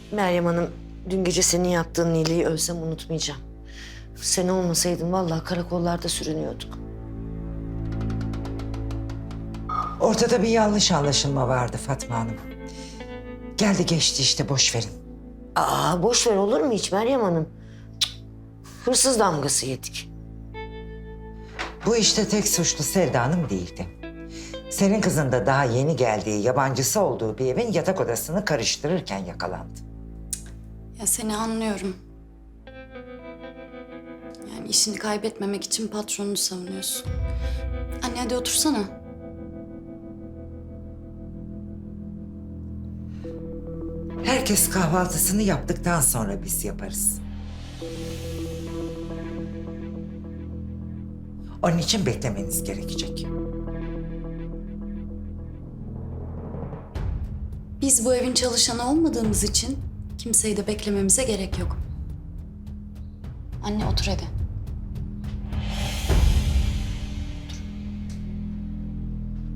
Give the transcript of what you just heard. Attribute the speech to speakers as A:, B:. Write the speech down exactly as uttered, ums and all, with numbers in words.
A: Meryem Hanım, dün gece senin yaptığın iyiliği ölsem unutmayacağım. Sen olmasaydın vallahi karakollarda sürünüyorduk.
B: Ortada bir yanlış anlaşılma vardı Fatma Hanım. Geldi geçti işte, boş verin.
A: Aa, boş ver olur mu hiç Meryem Hanım? Cık, hırsız damgası yedik.
B: Bu işte tek suçlu Selda Hanım değildi. Senin kızın da daha yeni geldiği, yabancısı olduğu bir evin yatak odasını karıştırırken yakalandı.
C: Ya seni anlıyorum. Yani işini kaybetmemek için patronunu savunuyorsun. Anne hadi otursana.
B: Herkes kahvaltısını yaptıktan sonra biz yaparız. Onun için beklemeniz gerekecek.
C: Biz bu evin çalışanı olmadığımız için kimseyi de beklememize gerek yok. Anne otur hadi.